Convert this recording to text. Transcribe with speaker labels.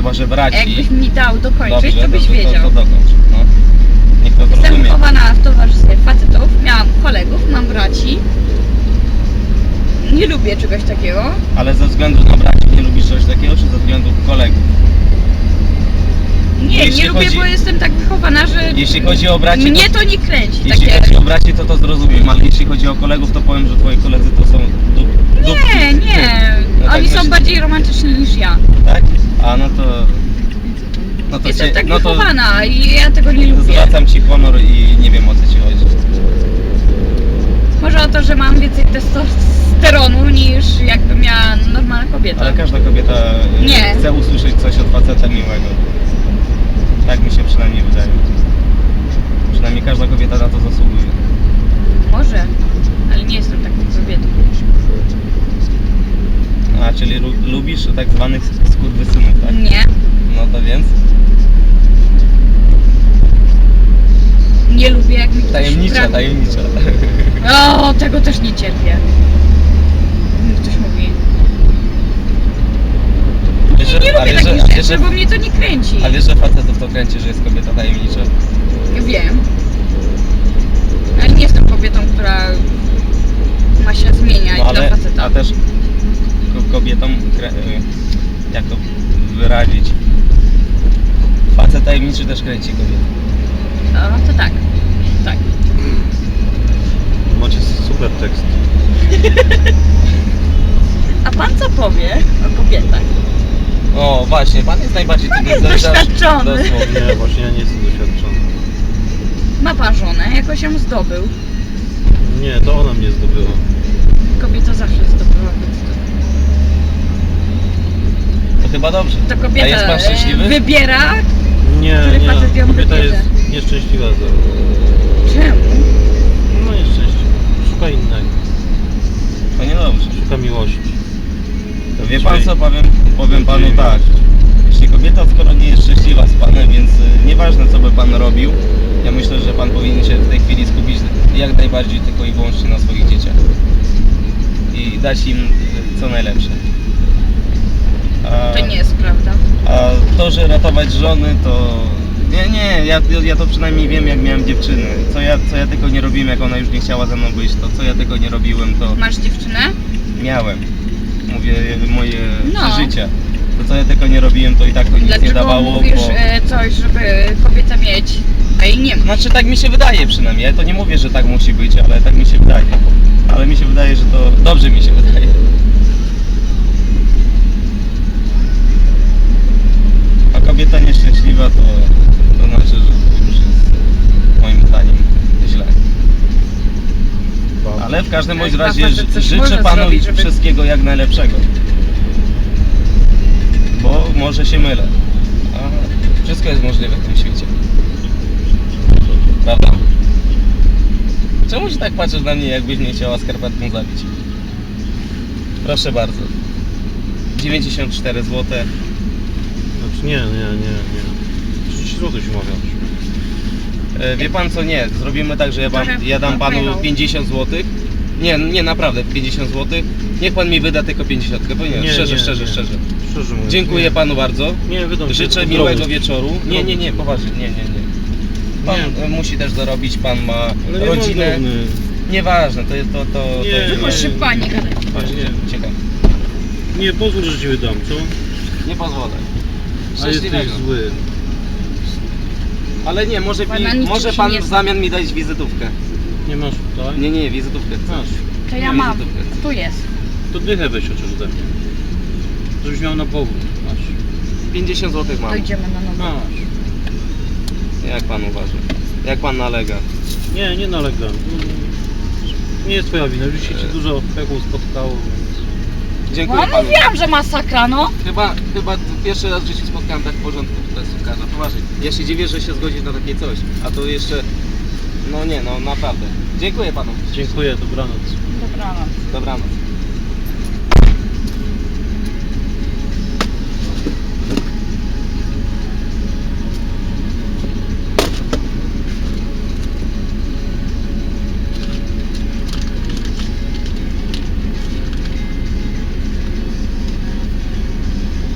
Speaker 1: chyba że braci.
Speaker 2: Jakbyś mi dał dokończyć,
Speaker 1: Dobrze,
Speaker 2: to byś wiedział.
Speaker 1: To dokończ. No. Niech to
Speaker 2: Jestem
Speaker 1: zrozumie.
Speaker 2: wychowana w towarzystwie facetów, miałam kolegów, mam braci. Nie lubię czegoś takiego.
Speaker 1: Ale ze względu na braci nie lubisz czegoś takiego, czy ze względu kolegów?
Speaker 2: Nie,
Speaker 1: Jeśli
Speaker 2: nie lubię,
Speaker 1: chodzi-
Speaker 2: bo jestem tak wychowana, że
Speaker 1: Jeśli chodzi o braci,
Speaker 2: mnie to nie kręci.
Speaker 1: jeśli
Speaker 2: Takie...
Speaker 1: chodzi o braci, to zrozumiem, ale jeśli chodzi o kolegów, to powiem, że twoi koledzy to są dupki.
Speaker 2: Nie.
Speaker 1: No tak
Speaker 2: Oni są
Speaker 1: myślę.
Speaker 2: bardziej romantyczni niż ja.
Speaker 1: Tak? A no to... No to
Speaker 2: Jestem tak
Speaker 1: no to
Speaker 2: wychowana i ja tego nie lubię.
Speaker 1: zwracam ci honor i nie wiem, o co ci chodzi.
Speaker 2: Może o to, że mam więcej testosteronu niż jakby miała normalna kobieta.
Speaker 1: Ale każda kobieta
Speaker 2: Nie.
Speaker 1: chce usłyszeć coś od faceta miłego. Tak mi się przynajmniej wydaje. Przynajmniej każda kobieta na to zasługuje.
Speaker 2: Może, ale nie jestem taką kobietą.
Speaker 1: A, czyli lubisz tak zwanych skurwysynów, tak?
Speaker 2: Nie.
Speaker 1: No to więc?
Speaker 2: Nie lubię jak mi ktoś
Speaker 1: Tajemnicza.
Speaker 2: O, tego też nie cierpię. Mi ktoś mówi.
Speaker 1: Wiesz, że-
Speaker 2: Nie lubię
Speaker 1: wiesz,
Speaker 2: takich
Speaker 1: że-
Speaker 2: rzeczy,
Speaker 1: wiesz, że-
Speaker 2: bo mnie to nie kręci.
Speaker 1: A wiesz, że facetów to kręci, że jest kobieta tajemnicza?
Speaker 2: Wiem. Ale nie jestem kobietą, która ma się zmieniać
Speaker 1: No ale,
Speaker 2: dla faceta.
Speaker 1: a też kobietom, jak to wyrazić? Facet tajemniczy też kręci kobietę.
Speaker 2: O, to tak. Tak.
Speaker 3: Macie super tekst.
Speaker 2: A pan co powie o kobietach?
Speaker 1: O, właśnie, pan jest najbardziej
Speaker 2: Pan
Speaker 1: tym
Speaker 2: jest doświadczony.
Speaker 1: dosłownie.
Speaker 3: Nie, właśnie ja nie jestem doświadczony.
Speaker 2: Ma pan żonę, jakoś ją zdobył.
Speaker 3: Nie, to ona mnie zdobyła.
Speaker 2: Kobieta zawsze zdobyła, więc
Speaker 1: To chyba dobrze.
Speaker 2: to
Speaker 1: A
Speaker 2: kobieta
Speaker 1: jest pan szczęśliwy?
Speaker 2: wybiera.
Speaker 3: Nie,
Speaker 2: Który facet ją
Speaker 3: kobieta
Speaker 2: wybierze?
Speaker 3: jest nieszczęśliwa za...
Speaker 2: Czemu?
Speaker 3: No nieszczęśliwa. Szuka innego.
Speaker 1: To niedobrze.
Speaker 3: Szuka miłości.
Speaker 1: To wie pan co, powiem panu tak. Jeśli kobieta skoro nie jest szczęśliwa z panem, więc nieważne co by pan robił, ja myślę, że pan powinien się w tej chwili skupić jak najbardziej tylko i wyłącznie na swoich dzieciach. I dać im co najlepsze.
Speaker 2: To nie jest prawda.
Speaker 1: A to, że ratować żony, to... Nie, ja to przynajmniej wiem, jak miałem dziewczyny. Co ja tylko nie robiłem, jak ona już nie chciała ze mną być, to co ja tylko nie robiłem, to
Speaker 2: Masz dziewczynę?
Speaker 1: miałem. Mówię, moje
Speaker 2: No.
Speaker 1: przeżycia. To co ja tylko nie robiłem, to i tak to nic
Speaker 2: Dlaczego
Speaker 1: nie dawało,
Speaker 2: mówisz
Speaker 1: bo...
Speaker 2: coś, żeby kobieta mieć, a jej nie ma?
Speaker 1: Znaczy tak mi się wydaje przynajmniej, ja to nie mówię, że tak musi być, ale tak mi się wydaje. Ale mi się wydaje, że to dobrze mi się wydaje. A kobieta nieszczęśliwa to znaczy, że to już jest moim zdaniem źle. Ale w każdym bądź
Speaker 2: Chyba
Speaker 1: razie
Speaker 2: facet coś
Speaker 1: życzę
Speaker 2: może
Speaker 1: panu
Speaker 2: zrobić, żeby-
Speaker 1: wszystkiego jak najlepszego. Bo może się mylę. A wszystko jest możliwe w tym świecie. Prawda? Czemu się tak patrzysz na mnie, jakbyś mnie chciała skarpetką zabić? Proszę bardzo. 94 zł.
Speaker 3: Znaczy nie. 30 zł się umawiasz.
Speaker 1: Wie pan co, nie, zrobimy tak, że ja dam panu 50 zł. Nie, naprawdę 50 zł. Niech pan mi wyda tylko 50, bo nie, szczerze.
Speaker 3: Szczerze mówiąc.
Speaker 1: Dziękuję
Speaker 3: nie.
Speaker 1: panu bardzo.
Speaker 3: Nie, wydam
Speaker 1: Życzę
Speaker 3: się
Speaker 1: miłego
Speaker 3: drobny.
Speaker 1: wieczoru. Nie, poważnie, nie. Pan musi też zarobić, pan ma
Speaker 3: Ale nie
Speaker 1: rodzinę.
Speaker 3: mam drobny.
Speaker 1: Nieważne, to
Speaker 3: Nie,
Speaker 1: jest
Speaker 2: Proszę pani gadać.
Speaker 3: Nie.
Speaker 1: ciekawe.
Speaker 3: Nie, pozwól, że ci wydam, co?
Speaker 1: Nie pozwolę.
Speaker 3: A jesteś
Speaker 1: Szczęśliwego.
Speaker 3: zły.
Speaker 1: Ale nie, może,
Speaker 2: Pana niczym
Speaker 1: może
Speaker 2: się
Speaker 1: pan
Speaker 2: nie
Speaker 1: w zamian mi dać wizytówkę.
Speaker 3: Nie masz tutaj?
Speaker 1: Nie, wizytówkę chcę.
Speaker 3: Masz.
Speaker 2: To ja
Speaker 1: Nie,
Speaker 2: mam.
Speaker 1: wizytówkę.
Speaker 2: Tu jest.
Speaker 3: To dychę weź chociaż ode mnie. Żebyś miał na powód. Masz.
Speaker 1: 50 zł mam.
Speaker 2: Dojdziemy na nowo.
Speaker 3: Masz.
Speaker 1: Jak pan uważa? Jak pan nalega?
Speaker 3: Nie nalegam. Nie jest twoja wina, już się ci dużo pechu spotkało, więc...
Speaker 1: Dziękuję
Speaker 2: No
Speaker 1: panu.
Speaker 2: mówiłam, że masakra, no.
Speaker 1: Chyba pierwszy raz w życiu spotkałem tak w porządku taksówkarza. Poważnie. Ja się dziwię, że się zgodzić na takie coś. A to jeszcze... No nie, no naprawdę. Dziękuję panu.
Speaker 3: Dziękuję, dobranoc.
Speaker 2: Dobranoc.
Speaker 1: Dobranoc.